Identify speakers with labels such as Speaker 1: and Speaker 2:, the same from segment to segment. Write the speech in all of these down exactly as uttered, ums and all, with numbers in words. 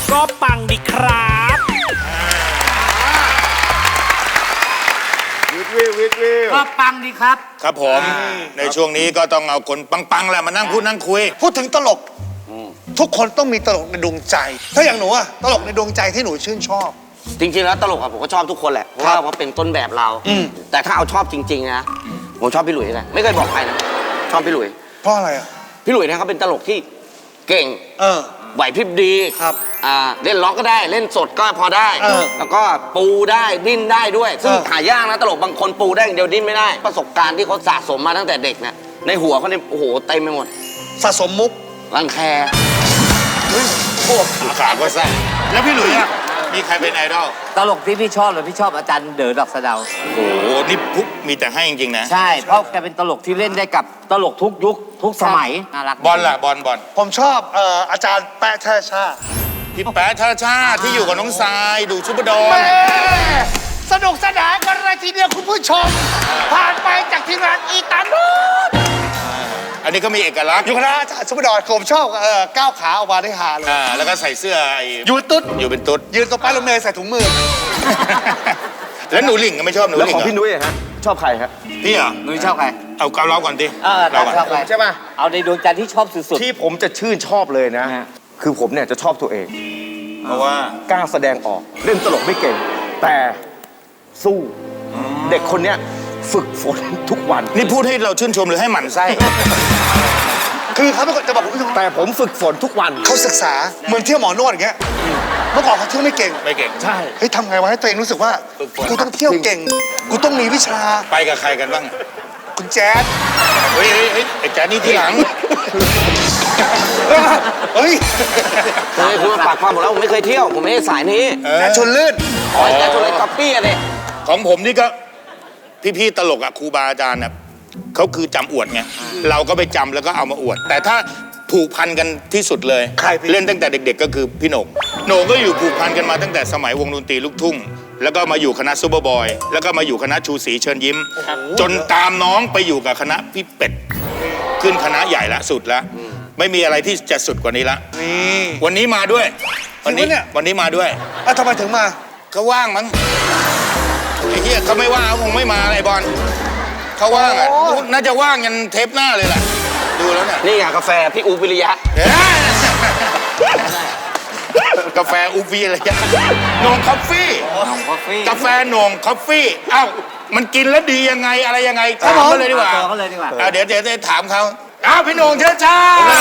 Speaker 1: ก็ปังดีครับ
Speaker 2: วิทวิววิทวิว
Speaker 3: ก็ปังดีครับ
Speaker 4: ครับผมในช่วงนี้ก็ต้องเอาคนปังๆแหละมานั่งพูดนั่งคุย
Speaker 5: พูดถึงตลกทุกคนต้องมีตลกในดวงใจถ้าอย่างหนูอะตลกในดวงใจที่หนูชื่นชอบ
Speaker 3: จริงๆแล้วตลกอะผมก็ชอบทุกคนแหละเพราะว่าเขาเป็นต้นแบบเราแต่ถ้าเอาชอบจริงๆนะผมชอบพี่หลุยส์เลยไม่เคยบอกใครนะชอบพี่หลุยส์
Speaker 5: เพราะอะไรอะ
Speaker 3: พี่หลุยส์เนี่ยเขาเป็นตลกที่เก่ง
Speaker 5: เออ
Speaker 3: ไหวพริบดี
Speaker 5: ครับ
Speaker 3: อ่าเล่นล็อกก็ได้เล่นสดก็พอได้แล้วก็ปูได้ดิ้นได้ด้วยซึ่งหายากนะตลกบางคนปูได้อย่างเดียวดิ้นไม่ได้ประสบการณ์ที่เขาสะสมมาตั้งแต่เด็กเนี่ยในหัวเขาเนี่ยโอ้โหเต็มไปหมด
Speaker 5: สะสมมุก
Speaker 3: รังแค
Speaker 4: พวกขาก็สั้นแล้วพี่หลุยอะมีใครเป็นไอดอล
Speaker 6: ตลกที่พี่ชอบเลยพี่ชอบอาจารย์เด๋อดอกสะเดา
Speaker 4: โอ้โหนี่พุกมีแต่ให้จริงๆนะ
Speaker 6: ใช่เพราะแกเป็นตลกที่เล่นได้กับตลกทุกยุคทุกสมัยน่ารัก
Speaker 4: บอลล่ะบอลบอล
Speaker 5: ผมชอบเอ่ออาจารย์แปะท่าชา
Speaker 4: พี่แป๊ะท่าชาที่อยู่กับน้องทรายดูซุปเปอร์โดม
Speaker 5: สนุกสนานกันเลยทีเดียวคุณผู้ชมผ่านไปจากทีมงานอีตาโน
Speaker 4: อันนี้ก็มีเอกลักษณ์
Speaker 5: อยู่คณะอาจารย์ซุปเปอร์ดอนผมชอบเอ่อก้าวขาออกมาได้ฮาเลย
Speaker 4: อ่าแล้วก็ใส่เสื้อไอ้
Speaker 5: อยู่ตุ๊ด
Speaker 4: อยู่เป็นตุ๊ด
Speaker 5: ยืนตรงป้ายรถเมล์ใส่ถุงมือ
Speaker 4: แล้วหนูหลิงก็ไม่ชอบหนูหลิงแล้ว
Speaker 2: ของพี่นุ้ยฮะชอบใครครับ
Speaker 4: พี่เหรอ
Speaker 6: นุ้ยชอบใคร
Speaker 4: เอาเกาเราก่อนดิ
Speaker 6: เออเราชอบใคร
Speaker 2: ใช่ป่ะ
Speaker 6: เอาในดวงใจที่ชอบสุด
Speaker 2: ๆที่ผมจะชื่นชอบเลยนะคือผมเนี่ยจะชอบตัวเอง
Speaker 4: เพราะว่
Speaker 2: ากล้าแสดงออกเล่นตลกไม่เก่งแต่สู้เด็กคนเนี้ยฝึกฝนทุกวัน
Speaker 4: นี่พูดให้เราชื่นชมหรือให้หมั่นไส้
Speaker 5: คือเขาเป็นคนจะบอกคุณผู้ชม
Speaker 2: แต่ผมฝึกฝนทุกวัน
Speaker 5: เขาศึกษาเหมือนเที่ยวหมอนวดอย่างเงี้ยเมื่อก่อนเขาเที่ยวไม่เก่ง
Speaker 4: ไม่เก่ง
Speaker 2: ใช่
Speaker 5: เฮ้ยทำไงวะให้ตัวเองรู้สึกว่ากูต้องเที่ยวเก่งกูต้องมีวิชา
Speaker 4: ไปกับใครกันบ้าง
Speaker 5: คุณแจ๊ด
Speaker 4: เฮ้ยเฮ้ยไอ้แจ๊ดนี่ที่หลัง
Speaker 5: เฮ้ย
Speaker 3: เคยคุณมาปากความหมดแล้วผมไม่เคยเที่ยวผมไม่ได้สายนี้
Speaker 5: แจ๊ดชวนลื่น
Speaker 3: อ๋อแจ๊ดชวนลื่นก๊อปปี้อะเนี่ย
Speaker 4: ของผมนี่ก็พี่ๆตลกอะครูบาอาจารย์นะเขาคือจำอวดไงเราก็ไปจำแล้วก็เอามาอวดแต่ถ้าผูกพันกันที่สุดเลยเล่นตั้งแต่เด็กๆก็คือพี่โหน่งโหน่งก็อยู่ผูกพันกันมาตั้งแต่สมัยวงดนตรีลูกทุ่งแล้วก็มาอยู่คณะซูเปอร์บอยแล้วก็มาอยู่คณะชูศรีเชิญยิ้มจนตามน้องไปอยู่กับคณะพี่เป็ดขึ้นคณะใหญ่ละสุดละไม่มีอะไรที่จะสุดกว่านี้ละวันนี้มาด้วยวันนี้วันนี้มาด้วย
Speaker 5: อ่ะทำไมถึงมา
Speaker 4: เขาว่างมั้งไอ้เหี้ยเขาไม่ว่างเขาคงไม่มาไอ้บอลเขาว่างอ่ะน่าจะว่างยันเทปหน้าเลยแหละดูแล้วเนี่ย
Speaker 3: นี่ไงกาแฟพี่อูวิริยะ
Speaker 4: กาแฟอูวิริยะโหน่งคอฟฟี่กาแฟโหน่งคอฟฟี่เอ้ามันกินแล้วดียังไงอะไรยังไงถามเขาเลยดีกว่า
Speaker 6: เขาเลยดีกว่า
Speaker 4: เดี๋ยวเดี๋ยวจะถามเขาอ้าวพี่โหน่งเชิญชา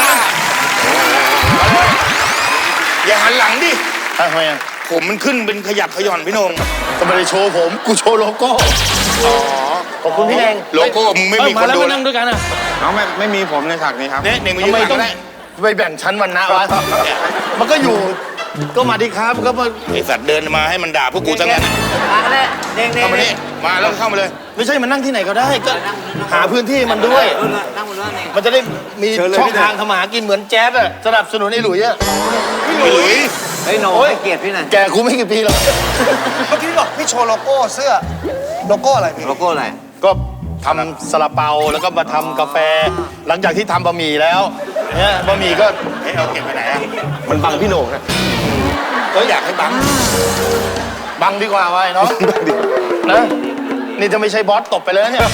Speaker 4: อย่าหันหลังดิ
Speaker 2: ทำไมอ่ะ
Speaker 4: ผมมันขึ้นเป็นขยับขย่อนพี่โหน่ง
Speaker 2: ก็ไม่ได้โชว์ผมกูโชว์โลโก้
Speaker 4: อ๋อ
Speaker 2: ขอบคุณพี่เอง
Speaker 4: โลโก้มึงไม่มีคนดู
Speaker 2: นั่งด้วยกันอ่ะน้องไม่ไม่มีผมในฉากนี้ครับ
Speaker 4: เนี่ยเน่งมายืนข้างได้
Speaker 2: ไปแบ่งชั้นวันนะวะมันก็อยู่ก็มาดีครับก็มา
Speaker 4: ไอสัตว์เดินมาให้มันด่าพวกกูทั้งนั้น
Speaker 6: มาเลยเด้งๆ
Speaker 4: เข้ามานี่มาแล้วเข้ามาเลย
Speaker 2: ไม่ใช่มันนั่งที่ไหนก็ได้ก็หาพื้นที่มันด้วยมันจะได้มีช่องทางทำมาหากินเหมือนแจ๊สอะสนับสนุนไอ้หลุยอะ
Speaker 4: พี่หลุย
Speaker 6: ไอ้โหน่งให้เกียรติพี่หน่อย
Speaker 2: แกกูไม่กี่ปีหรอก
Speaker 5: เมื่อกี้บอกพี่โชว์โลโก้เสื้อโลโก้อะไรพี่
Speaker 6: โลโก้อะไร
Speaker 2: ก็ทำซาลาเปาแล้วก็มาทำกาแฟหลังจากที่ทำบะหมี่แล้วเนี่ยบะหมี่ก็
Speaker 4: เฮ้ยเอาเก็บไปไหนอะ
Speaker 2: มันบังพี่โหน่งนะ
Speaker 4: ก็อยากให้บัง
Speaker 2: บังดีกว่าไว้เนาะนะนี่จะไม่ใช่บอสตบไปเลยเนี่ย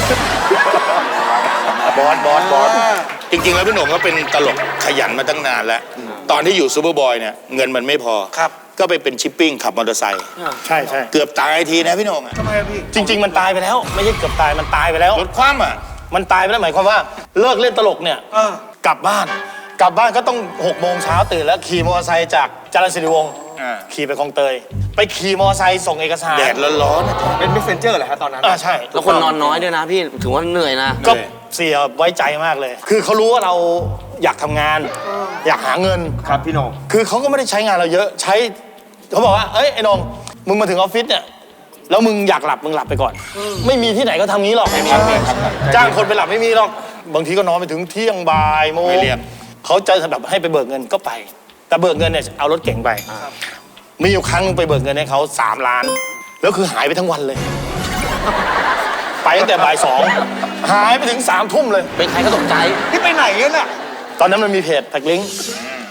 Speaker 2: บอสบอสบอส
Speaker 4: จริงๆแล้วพี่โหน่งก็เป็นตลกขยันมาตั้งนานแล้วตอนที่อยู่ซูเปอร์บอยเนี่ยเงินมันไม่พอ
Speaker 5: ครับ
Speaker 4: ก็ไปเป็นชิปปิ้งขับมอเตอร์ไซค์
Speaker 2: ใช่ใช่
Speaker 4: เกือบตายทีนะพี่โหน่ง
Speaker 5: ทำไมพี่
Speaker 2: จริงๆมันตายไปแล้วไม่ใช่เกือบตายมันตายไปแล้ว
Speaker 4: รถคว่ำอ่ะ
Speaker 2: มันตายไปแล้วหมายความว่าเลิกเล่นตลกเนี่ยกลับบ้านกลับบ้านก็ต้องหกโมงเช้าตื่นแล้วขี่มอเตอร์ไซค์จากจรัญสิริวงศ์ขี่ไปคลองเตยไปขี่มอเตอร์ไซค์ส่งเอกสาร
Speaker 4: แดดร้อน
Speaker 2: ๆเป็นเมสเซนเจอร์เหรอฮะตอนนั้นอ่าใช่
Speaker 3: แล้วคนนอนน้อยด้วยนะพี่ถือว่าเหนื่อยนะ
Speaker 2: ก็เสียไว้ใจมากเลยคือเขารู้ว่าเราอยากทำงานอยากหาเงินครับพี่โหน่งคือเขาก็ไม่ได้ใช้งานเราเยอะใช้เขาบอกว่าเอ้ยไอ้โหน่งมึงมาถึงออฟฟิศเนี่ยแล้วมึงอยากหลับมึงหลับไปก่อนไม่มีที่ไหนก็ทำงี้หรอกจ้างคนไปหลับไม่มีหรอกบางทีก็นอนไปถึงเที่ยงบ่ายโมงเขาจะแบบให้ไปเบิกเงินก็ไปแต่เบิกเงินเนี่ยเอารถเก๋งไปมีอยู่ครั้งนึงไปเบิกเงินให้เขาสามล้านแล้วคือหายไปทั้งวันเลยไปตั้งแต่บ่ายสองหายไปถึงสามทุ่มเลย
Speaker 3: เป็นใครก็ตกใจ
Speaker 5: ที่ไปไหนกันน่ะ
Speaker 2: ตอนนั้นมันมีเพจแท็กลิงก์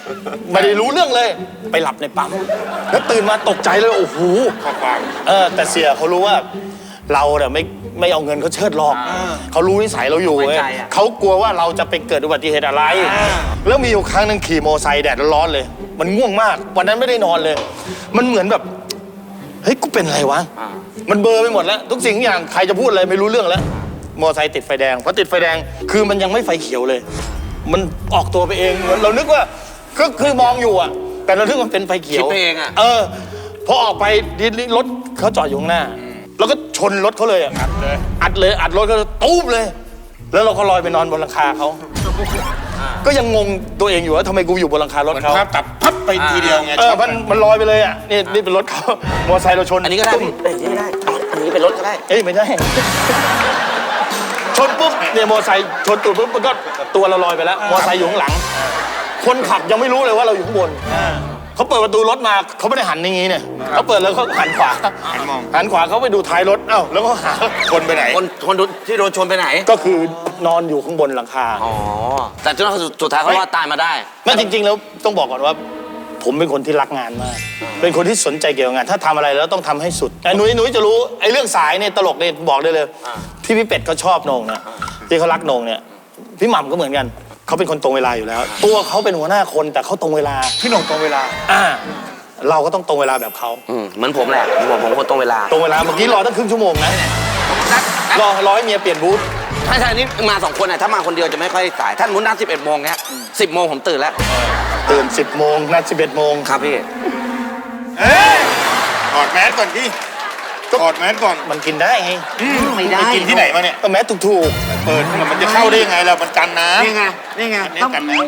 Speaker 2: ไม่ได้รู้เรื่องเลย ไปหลับในปั๊มแล้วตื่นมาตกใจเลยโอ้โห
Speaker 4: ข้อความ
Speaker 2: เออแต่เสียเขารู้ว่าเราเนี่ยไม่ไม่เอาเงินเขาเชิดหรอกเขารู้นิสัยเราอยู่เว้ยเขากลัวว่าเราจะไปเกิดอุบัติเหตุอะไร แล้วมีอยู่ครั้งหนึงขี่มอไซค์แดดร้อนๆเลย มันง่วงมากวันนั้นไม่ได้นอนเลย มันเหมือนแบบเฮ้ยกูเป็นอะไรวะมันเบลอไปหมดแล้ว ทุกสิ่งทุกอย่างใครจะพูดอะไรไม่รู้เรื่องแล้ว มอไซค์ติดไฟแดงพอติดไฟแดงคือมันยังไม่ไฟเขียวเลย มันออกตัวไปเองเหมือนเรานึกว่าก็คือมองอยู่อะแต่เรานึกว่าเป็นไฟเขียว
Speaker 3: คิดไปเองอะ
Speaker 2: เออพอออกไปรถเขาจอดอยู่ข้างหน้า แล้วก็ชนรถเขาเลยอะอัดเลยอัดเลยอัดรถก็ตู้มเลย แล้วเราก็ลอยไปนอนบนหลังคาเขาก็ยังงงตัวเองอยู่ว่าทำไมกูอยู่บนหลังคารถ
Speaker 4: เหมือน
Speaker 2: เขา
Speaker 4: ภาพตัดพับไปทีเดียวไง
Speaker 2: เออมันมันลอยไปเลยอ่ะนี่นี่เป็นรถเขามอไซค์เราชน
Speaker 3: อันนี้ก็ได้พี่เอ้ยอันนี้ได้อันนี้เป็นรถก็ได้
Speaker 2: เอ้ยไม่ได้ ชนปุ๊บเนี่ยมอไซค์ชนตูดปุ๊บมันก็ตัวเราลอยไปแล้วมอไซค์อยู่ข้างหลัง คนขับยังไม่รู้เลยว่าเราอยู่ข้างบนเขาเปิดประตูรถมาเขาไม่ได้หันอย่างงี้เนี่ยเขาเปิดแล้วเขาหันขวา
Speaker 4: หันมอง
Speaker 2: หันขวาเขาไปดูท้ายรถเอ้าแล้วก็หา
Speaker 4: คนไปไหน
Speaker 3: คนคนที่โดนชนไปไหน
Speaker 2: ก็คือนอนอยู่ข้างบนหลังคา
Speaker 3: อ๋อ แต่จนสุดท้ายเขารอดตายมาได้
Speaker 2: แม่จริง ๆ แล้วต้องบอกก่อนว่า ผมเป็นคนที่รักงานมาก เป็นคนที่สนใจเกี่ยวกับงาน ถ้าทำอะไรแล้วต้องทำให้สุดแต่หนุ่ยหนุ่ยจะรู้ไอ้เรื่องสายเนี่ยตลกเนี่ยบอกได้เลยที่พี่เป็ดเขาชอบโหนงนะที่เขารักโหนงเนี่ยพี่หม่ำก็เหมือนกันเขาเป็นคนตรงเวลาอยู่แล้ว ตัวเขาเป็นหัวหน้าคนแต่เขาตรงเวลา
Speaker 5: พี่หน่งตรงเวลา
Speaker 2: อ่าเราก็ต้องตรงเวลาแบบเขา
Speaker 3: อืมเหมือนผมแหละผมผมคนตรงเวลา
Speaker 2: ตรงเวลาเมื่อกี้รอตั้งครึ่งชั่วโมงนะรอรอให้เมียเปลี่ยนบูธ
Speaker 3: ถ้าใช่นี่มาสองคนน่ะถ้ามาคนเดียวจะไม่ค่อยสายถ้ามุนนัดสิบเอ็ดโมงเนี้ยสิบโมงผมตื่นแล้ว
Speaker 2: ตื่นสิบโมงนัดสิบเอ็ดโมง
Speaker 3: ครับพี่
Speaker 4: เอ้ยถอดแมสก่อนที่ถอดแมสก่อน
Speaker 2: มันกินได้ไง
Speaker 6: ไม่ได้
Speaker 4: ไปกินที่ไหนมาเนี่ย
Speaker 2: ก็แม้ถูกถูก
Speaker 4: เปิดมันจะเข้าได้ยังไงล่ะมันกันน้ำ
Speaker 6: นี่ไง นี่ไง
Speaker 4: อันนี้
Speaker 6: ต้อง
Speaker 4: กันน้ำ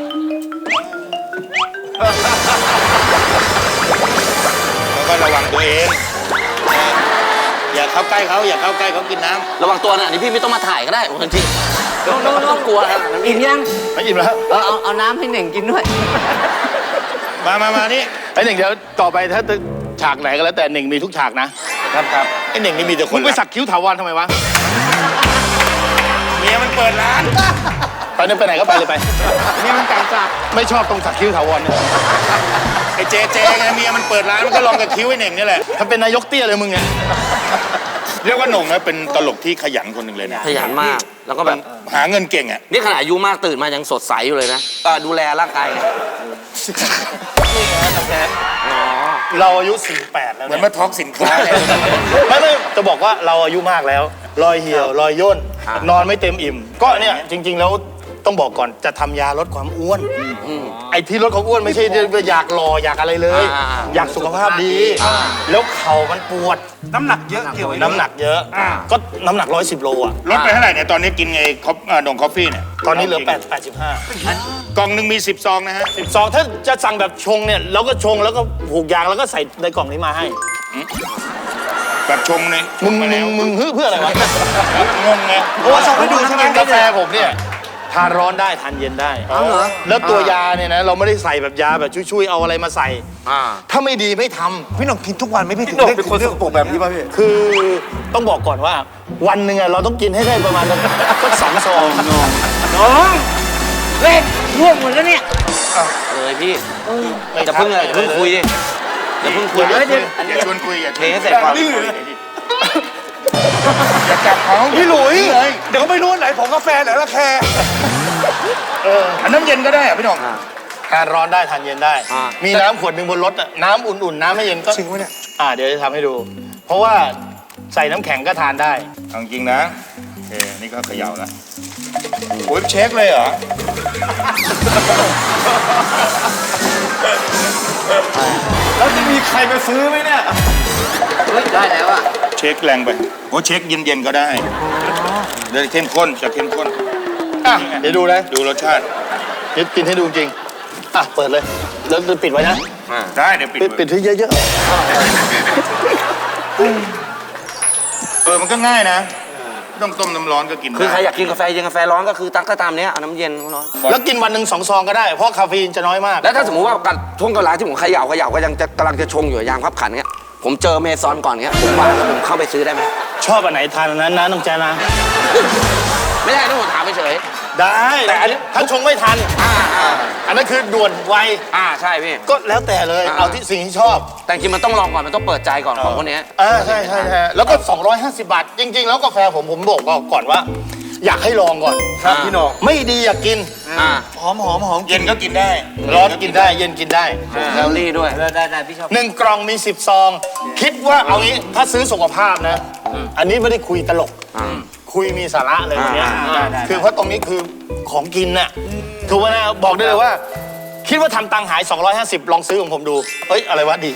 Speaker 4: แล้วก็ระวังตัวเองอย่าเข้าใกล้เขาอย่าเข้าใกล้เขากินน้ำ
Speaker 3: ระวังตัวนะอันนี้พี่ไม่ต้องมาถ่ายก็ได้บางทีไม่ต้องกลัวนะ
Speaker 6: อิ่มยัง
Speaker 2: ๆไม่อิ่มแล้ว
Speaker 6: เออเอาเอาน้ำให้เหน่งกินด้วย
Speaker 4: มามามานี่
Speaker 2: ไอ้หนึ่งเดี๋ยวต่อไปถ้าฉากไหนก็แล้วแต่หนึ่งมีทุกฉากนะครับครับ
Speaker 4: ไอ้หนึ่งนี่มีแต่ค
Speaker 2: มึ
Speaker 4: น
Speaker 2: งไป
Speaker 4: รัก
Speaker 2: สักคิ้วถาวรทำไมวะ
Speaker 4: เมียมันเปิดร้าน
Speaker 2: ไปเนี่ยไปไหนก็ไปเลยไป
Speaker 6: นี่มันการจับ
Speaker 2: ไม่ชอบตรงสักคิ้วถาวรเนี่ย
Speaker 4: ไอ้เจเจไงเมียมันเปิดร้านมันก็ลองกับคิ้วไอ้หนึ่งนี่แหละ
Speaker 2: ถ้าเป็นนายกเตี้ยเลยมึงเนี่ย
Speaker 4: เรียกว่าหน่งนะเป็นตลกที่ขยันคนหนึ่งเลยนะ
Speaker 3: ขยันมาก แล้วก็แบบ
Speaker 4: หาเงินเก่งอ่ะ
Speaker 3: นี่ขนาดอายุมากตื่นมายังสดใสอยู่เลยนะก็ดูแลร่างกายไงอ๋อ
Speaker 2: เราอายุสี่สิบแปดแล้ว
Speaker 4: เหมือน
Speaker 2: เนี่ย
Speaker 4: มาทอกสินค้าเลย
Speaker 2: ไม่ไม่จะบอกว่าเราอายุมากแล้ว รอยเหี่ยว รอยย่น นอนไม่เต็มอิ่ม ก็เนี่ยจริง ๆ แล้วต้องบอกก่อนจะทำยาลดความอ้วน ไอ้ที่ลดความอ้วนไม่ใช่อยากหล่ออยากอะไรเลย
Speaker 3: อ่า
Speaker 2: อยากสุขภาพดี แล้วเข่ามันปวด
Speaker 5: น้ำหนักเยอะเกี่ยวไว้ด้วย
Speaker 2: น้ำหนักเยอะ ก็น้ำหนักร้อยสิบโลอ่ะ
Speaker 4: ลดไปเท่าไหร่เนี่ยตอนนี้กินไงคอฟนงคอฟฟี่เนี่ย
Speaker 2: ตอนนี้เหลือแปดแปดสิบห้าก
Speaker 4: ล่องหนึ่งมีสิบซองนะฮะ
Speaker 2: สิบสองถ้าจะสั่งแบบชงเนี่ยเราก็ชงแล้วก็ผูกยางแล้วก็ใส่ในกล่องนี้มาให้
Speaker 4: แบบชงเนี่ย
Speaker 2: มึง
Speaker 4: มา
Speaker 2: มึ
Speaker 4: แล้ว
Speaker 2: งมึงฮึเพื่ออะไรวะ
Speaker 4: งงไง
Speaker 5: โอ้ส่งให้ดูใช่ไหม
Speaker 2: กาแฟผมเนี่ยทานร้อนได้ทานเย็นได้
Speaker 6: เอาเหรอ
Speaker 2: แล้วตัวยาเนี่ยนะเราไม่ได้ใส่แบบยาแบบช่วยๆเอาอะไรมาใส่
Speaker 3: อ่า
Speaker 2: ถ้าไม่ดีไม่ทำ
Speaker 5: พี่หน่งกินทุกวันไหม่พี่ถึง
Speaker 2: พี่หน่ง
Speaker 5: ได้
Speaker 2: เป็นคน
Speaker 5: เรื่องปกแบบนี้ป่ะพี่
Speaker 2: คือต้องบอกก่อนว่า วันหนึ่งอะเราต้องกินให้ได้ประมาณสักสักสองซอง
Speaker 6: น้องเล่นร่วงหมดแล้วเนี่ย
Speaker 3: เลยพี่
Speaker 2: ไม่
Speaker 3: จะเพิ่งเลยอย่าเพิ่งคุยดิอย่าเพิ่งคุย
Speaker 2: เดี๋ยวเดี๋ยว
Speaker 4: อย่าชวนคุยอย่า
Speaker 3: เทให้เสร็จก่อน
Speaker 4: อย่าจับเขา
Speaker 5: พี่หลุยเดี๋ยวเขาไม่รู้ว่าไหนผมกาแฟไหนละแคร์
Speaker 4: อันน้ำเย็นก็ได้อะพี่หน่อง
Speaker 2: ทานร้อนได้ทานเย็นได้
Speaker 3: อ่า
Speaker 2: มีน้ำขวดหนึ่งบนรถอะน้ำอุ่นๆ น้ำไม่เย็นก็
Speaker 5: จริงวะเนี่ย
Speaker 2: อ่าเดี๋ยวจะทำให้ดู เพราะว่าใส่น้ำแข็งก็ทานได้
Speaker 4: เอาจริงนะโอเคนี่ก็เขย่าแล้วโอ้ยเช็คเลยเหรอ
Speaker 5: แล้วจะมีใครมาซื้อไหมเนี่ย
Speaker 6: เฮ้ย ได้แล้วอ่ะ
Speaker 4: เช็คแรงไปโอ้เช็คเย็นๆก็ได้เดี๋ยวเข้มข้นจะเข้มข้น
Speaker 2: อ่ะเดี๋ยวดูนะ
Speaker 4: ดูรสชาติ
Speaker 2: เดี๋ยวกินให้ดูจริง อ่ะ เปิดเลย แล้วปิดไว้นะ
Speaker 4: ได้เดี๋ยวปิด
Speaker 2: ปิดปิดให้เยอะ
Speaker 4: เออมันก็ง่ายนะไม่ต้องต้มน้ำร้อนก็กิน
Speaker 3: คือใคร
Speaker 4: ได้
Speaker 3: อยากกินกาแฟเย็นกาแฟร้อนก็คือตักก็ตามเนี้ยเอาน้ำเย็นร้อน
Speaker 2: ๆ แล้วกินวันหนึ่งสองซองก็ได้ เพราะคาเฟอีนจะน้อยมาก
Speaker 3: แล้วถ้าสมมติว่ากัดช่วงเวลาที่ผมเขย่าเขย่าก็ยังจะกำลังจะชงอยู่ยางพับขันเงี้ยผมเจอเมซอนก่อนเงี้ยผมวางแล้วผมเข้าไปซื้อได้ไหม
Speaker 2: ชอบอันไหนทานอันนั้นนะน้องแจนะ
Speaker 3: ไม่ได้ต้องถามไปเฉย
Speaker 2: ได้แต่อันนี้ถ้าชงไม่ทัน
Speaker 3: อ่าอ่า
Speaker 2: อันนั้นคือด่วนไว
Speaker 3: อ่าใช่พี่
Speaker 2: ก็แล้วแต่เลย
Speaker 3: อ่า
Speaker 2: เอาที่สิ่งที่ชอบ
Speaker 3: แต่จริงๆมันต้องลองก่อนมันต้องเปิดใจก่อนของพวกเนี้ย
Speaker 2: อ่าใช่ใช่ใช่แล้วก็ สองร้อยห้าสิบบาท จริง ๆ แล้วกาแฟผมผมบอกก่อนว่า อยากให้ลองก่อน
Speaker 3: ครับพี่โหน่ง
Speaker 2: ไม่ดีอยากกิน
Speaker 3: อ่า
Speaker 5: หอมหอมหอม
Speaker 4: เย็นก็กินได้
Speaker 2: ร้อนกินได้เย็นกินได้
Speaker 3: แคลอรี่ด้วย
Speaker 6: ได้ได้พี่ชอบ
Speaker 2: หนึ่งกล่องมีสิบซอง คิดว่าเอางี้ถ้าซื้อสุขภาพนะ อันนี้ไม่ได้คุยตลก
Speaker 3: อ่า
Speaker 2: คุยมีสาระเลยวันเนี้ย
Speaker 3: อ่าได้ได้
Speaker 2: คือเพราะตรงนี้คือของกินน่ะถูกไหมนะบอกได้เลยว่า คิดว่าทำตังค์หาย สองร้อยห้าสิบ ลองซื้อของผมดูเอ้ยอะไรวะดี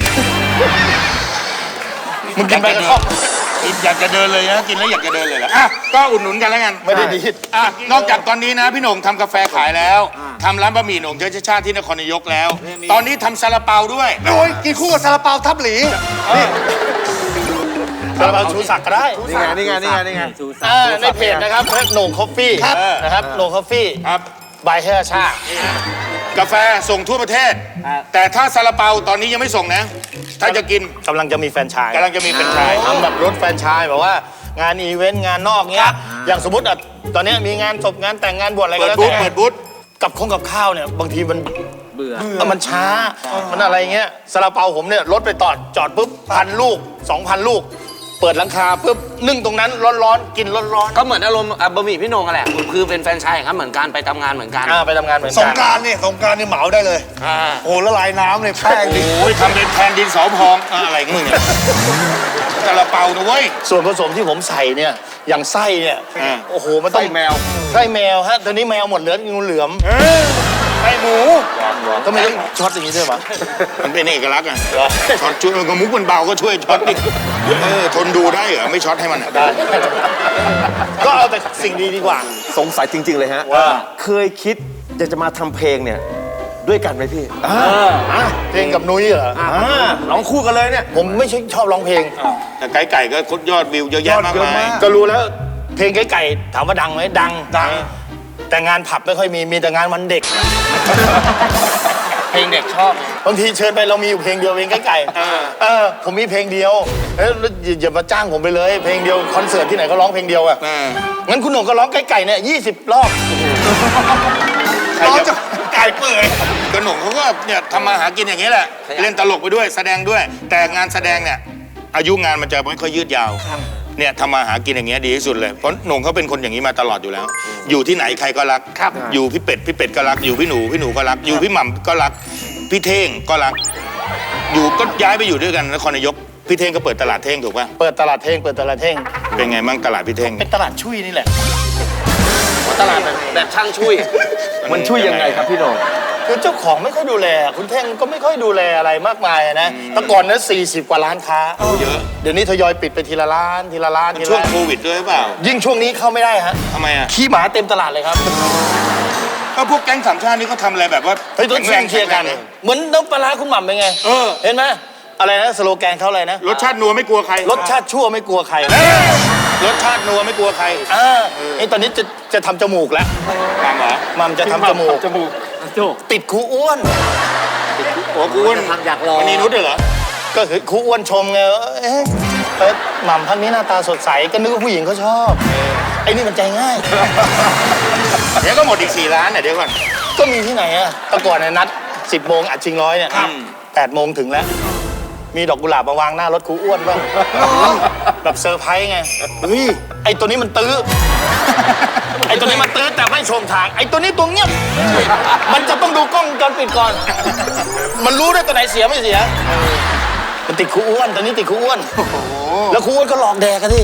Speaker 2: มึงกินไปกระท่อม
Speaker 4: อยากจะเดินเลยนะกินแล้วอยากจะเดินเลยแหละอ่ะก็อุดหนุนกันแล้วกัน
Speaker 2: ไม่ได้ดี
Speaker 4: อ่ะนอกจากตอนนี้นะพี่โหน่งทำกาแฟขายแล้วทำร้านบะหมี่โหน่งเชื้อชาติที่นครนายกแล้ว ตอนนี้ทำซาลาเปาด้วย
Speaker 5: โอ้ยกินคู่กับซาลาเปาทับหลีนี่
Speaker 2: ซาลาเปาชูศักดิ์ก็ได้
Speaker 5: นี่ไงนี่ไงนี่ไงนี่ไง
Speaker 2: อ่าในเพจนะครับโหน่งคอฟฟี่
Speaker 5: ครับ
Speaker 2: นะครับโหน่งคอฟฟี่
Speaker 4: ครับ
Speaker 2: บายเชื้อชาติ
Speaker 4: กาแฟส่งทั่วประเทศ แต่ถ้าซาลาเปาตอนนี้ยังไม่ส่งนะ ถ้าจะกิน
Speaker 2: กำลังจะมีแฟรนไชส์
Speaker 4: กำลังจะมีเป็นชาย
Speaker 2: ทำแบบรถแฟรนไชส์แบบว่างานอีเวนต์งานนอกเงี้ยอย่างสมมติอ่ะตอนเนี้ยมีงานศพงานแต่งงานบวชอะไรก็
Speaker 4: เปิด
Speaker 2: แล้ว
Speaker 4: บูธ
Speaker 2: แต่
Speaker 4: เปิดบูธ
Speaker 2: กับข้องกับข้าวเนี่ยบางทีมัน
Speaker 6: เบื่อ
Speaker 2: เออมันช้า มันอะไรเงี้ยซาลาเปาผมเนี่ยรถไปตอดจอดปุ๊บพันลูกสองพันลูก เปิดหลังคาปุ๊บนึ่งตรงนั้นร้อนๆกินร้อน
Speaker 3: ก็เหมือนอารมณ์อ่ะบะหมี่พี่โหน่งกันแหละคือเป็นแฟรนไชส์ครับเหมือนกันไปทำงานเหมือนกัน
Speaker 2: ๆอ่าไปทำงานเหมือน
Speaker 5: ส
Speaker 2: กั
Speaker 5: ง
Speaker 2: น
Speaker 5: กรารนี่สงกรารนี่เหมาได้เลย
Speaker 4: อ่า
Speaker 5: โอ้ละลายน้ำเลยแป้งดิ
Speaker 4: โอ้ยทำเป็นแทนดินสอพองอ่ะอะไรของมึงเนี่ยซาลาเปานะเว้ย
Speaker 2: ส่วนผสมที่ผมใส่เนี่ยอย่างไส้เนี่ย
Speaker 4: อ่า
Speaker 2: โอ้โหมันต้อง
Speaker 4: ไส้แมว
Speaker 2: ไส้แมวฮะตอนนี้แมวหมดเหลืองูเหลือม
Speaker 4: ไส้หมู
Speaker 2: ก็ไม่ต้องช็อตอย่างนี้ด้วยมั้ย
Speaker 4: มันเป็นเอกลักษณ์อ่ะช็อตช่วยกระมุกมันเบาก็ช่วยช็อตดิเออทนดูได้เหรอไม่ช็อตให้มันอ่ะ
Speaker 2: ได้ ก็เอาแต่สิ่งดีดีกว่า
Speaker 7: สงสัยจริง ๆ เลยฮะ
Speaker 2: ว่า
Speaker 7: เคยคิดอยากจะมาทำเพลงเนี่ย ด้วยกันไหมพี่
Speaker 2: เพลงกับนุ้ยเหรอ
Speaker 7: ร้องคู่กันเลยเนี่ย
Speaker 2: ผมไม่ใช่ชอบร้องเพลง
Speaker 4: แต่ไก่ไก่ก็คดยอดวิวเยอะแยะมาก
Speaker 7: ยอดเยอะ
Speaker 4: มาย
Speaker 7: มาก
Speaker 2: ก็รู้แล้ว เพลงไก่ไก่ถามว่าดังไหมดังดัง แต่งานผับไม่ค่อยมีมีแต่งานวันเด็ก
Speaker 3: เพลงเด็กชอบ
Speaker 2: บางทีเชิญไปเรามีอยู่เพลงเดียวเพลงไก่ไก่เออผมมีเพลงเดียวเอ้ยแล้วอย่าอย่ามาจ้างผมไปเลย เพลงเดียวคอนเสิร์ตที่ไหนก็ร้องเพลงเดียวอะ
Speaker 4: อ่า
Speaker 2: งั้นคุณหนุ่มก็ร้องไก่ไก่เนี่ยยี่สิบรอบ
Speaker 5: ร้อนจะไก่เปื่อย
Speaker 4: กระหน่งเขาก็เนี่ยทำมาหากินอย่างนี้แหละ เล่นตลกไปด้วยแสดงด้วย แต่งานแสดงเนี่ยอายุงานมันจะไม่ค่อยยืดยาวเนี่ยทำมาหากินอย่างเงี้ยดีที่สุดเลยเพราะหน่งเขาเป็นคนอย่างนี้มาตลอดอยู่แล้ว อยู่ที่ไหนใครก็รักอยู่พี่เป็ดพี่เป็ดก็รักอยู่พี่หนูพี่หนูก็รักอยู่พี่หม่ำก็รักพี่เท่งก็รัก อยู่ก็ย้ายไปอยู่ด้วยกันนครนายกพี่เท่งก็เปิดตลาดเท่งถูกป่ะ
Speaker 2: เปิดตลาดเพลงเปิดตลาดเพลง
Speaker 4: เป็นไงบ้างตลาดพี่เท่ง
Speaker 2: เป็นตลาดชุยนี่แหละ
Speaker 3: ตลาดแบบแบบช่างช่วย
Speaker 7: มันช่วยยังไงครับพี่โหน่ง
Speaker 2: คือเจ้าของไม่ค่อยดูแล คุณเท่งก็ไม่ค่อยดูแลอะไรมากมายนะแต่ก่อนนั้นสี่สิบกว่าร้านค้า
Speaker 4: เยอะ
Speaker 2: เดี๋ยวนี้ทยอยปิดไปทีละร้านทีละร้าน
Speaker 4: มัน
Speaker 2: ที
Speaker 4: ช่ว
Speaker 2: ละ
Speaker 4: ง
Speaker 2: ร้าน
Speaker 4: โควิดด้วยหรือเปล่า
Speaker 2: ยิ่งช่วงนี้เข้าไม่ได้ฮะ
Speaker 4: ทำไมอ่ะ
Speaker 2: ขี้หมาเต็มตลาดเลยครับ
Speaker 4: ก็พวกแก๊งสามชาตินี่เขาทำอะไรแบบว่า
Speaker 2: เฮ้ยต้อง
Speaker 4: แข็ง
Speaker 2: เคลียร์กัน
Speaker 4: แข็งแง
Speaker 2: เหมือนน้ำปลาร้าคุณหม่ำเป็นไง
Speaker 4: เออ
Speaker 2: เห็นไหมอะไรนะสโลแกนเขาอะไรนะ
Speaker 4: รสชาตินัวไม่กลัวใคร
Speaker 2: รสชาติชั่วไม่กลัวใคร
Speaker 4: เอ้ยรสชาตินัวไม่กลัวใคร
Speaker 2: อ่าไอ้ตอนนี้จะจะทำจมูกแล้ว
Speaker 4: ตามเหรอ
Speaker 2: หม่ำจะทำจมูก
Speaker 4: จมูก
Speaker 6: โจ
Speaker 2: ติดครูอ้วน
Speaker 4: โอ้กูอ้วน
Speaker 6: ทำอยากลอง
Speaker 4: วันนี้นุชด้วยเหรอ
Speaker 2: ก็คือครูอ้วนชมไงว่าเอ๊ะเอ๊ะหม่ำท่านนี้หน้าตาสดใสก็นึกว่าผู้หญิงเขาชอบไอ้นี่มันใจง่าย
Speaker 4: เดี๋ยวก็หมดอีกสี่ล้านเนี่ยเดี๋ยวก่อน
Speaker 2: ก็มีที่ไหนอะแต่ก่อนเนี่ยนัดสิบโมงอัดชิงร้อยเนี่ยแปดโมงถึงแล้ว มีดอกกุหลาบมาวางหน้ารถครูอ้วนบ้างแบบเซอร์ไพรส์ไงเฮ้ยไอ้ตัวนี้มันตื้อ ไอ้ตัวนี้มันตื้อแต่ไม่ชมทาง ไอ้ตัวนี้ตัวเงียบ มันจะต้องดูกล้องวงจรปิดก่อน มันรู้ได้ตัวไหนเสียไม่เสียมันติดครูอ้วนตัวนี้ติดครูอ้วนแล้วครูอ้วนก็หลอกแดกกันที่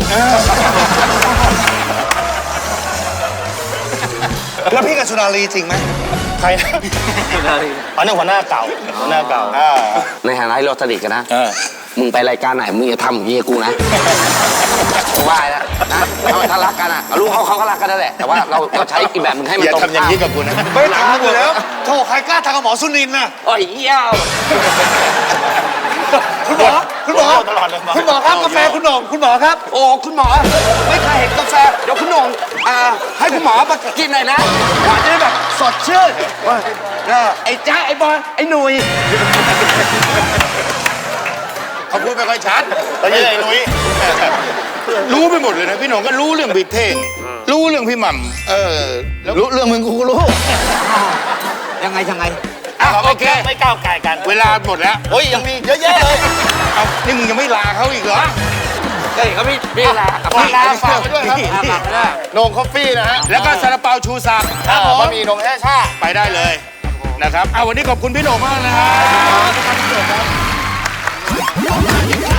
Speaker 5: แล้วพี่กับสุนารีจริงไหม
Speaker 2: ใครนะอ๋อนี่หัวหน้าเก่าหัวหน้าเก่า
Speaker 3: ในฐานะที่เราสนิทกันนะ
Speaker 2: เออ
Speaker 3: มึงไปรายการไหนมึงอย่าทำอย่างนี้กับกูนะกูว่าแล้วนะถ้ารักกันอ่ะรู้เขาเขาก็รักกันนั่นแหละแต่ว่าเราเราใช้อีกแบบมึงให้มัน
Speaker 4: อย่า
Speaker 3: ตรง
Speaker 4: ทำอย่างนี้กับกูนะ
Speaker 5: ไม่ทำอยู่แล้วโธ่ใครกล้าทำกับหมอสุนินทร์น่ะ
Speaker 3: โอ้ยเหี้ยว
Speaker 5: คุณหมอคุณหมอ
Speaker 2: ตลอดเลยหมอ
Speaker 5: คุณหมอครับกาแฟคุณหน่งคุณหมอครับ
Speaker 3: โอ้คุณหมอไม่เคยเห็นกาแฟเดี๋ยวคุณหน่งอ่าให้คุณหมอมากินหน่อยนะหวานจะได้แบบสดชื่นเออไอ้จ้าไอ้บอยไอ้หนุ่ย
Speaker 4: เขาพูดไม่ค่อยชัด
Speaker 2: แล้วยังไงนุ้ย
Speaker 4: รู้ไปหมดเลยนะพี่หนงก็รู้เรื่องบิ๊กเท่งรู้รู้เรื่องพี่หม่ำเออแล้ว
Speaker 2: รู้เรื่องมึงกูก็รู้
Speaker 6: ยังไงยังไง
Speaker 4: อ่ะโอเค
Speaker 1: ไม่ก้าวไก่กัน
Speaker 4: เวลาหมดแล้ว
Speaker 2: โอ้ยยังมีเยอะแยะเลย
Speaker 4: เอานี่มึงยังไม่ลาเขาอีกเหรอ
Speaker 6: เฮ้ยเขาพี่พี่ลา
Speaker 2: ฝากฝากไปด้วยครับ
Speaker 6: ฝากไปด้วย
Speaker 2: โหนงคอฟฟี่นะฮะ
Speaker 4: แล้วก็ซาลาเปาชูศักดิ์
Speaker 2: ครับผมบะหมี่โหนงแห้ชา
Speaker 4: ไปได้เลยนะครับเอาวันนี้ขอบคุณพี่โหน่งมากนะครับ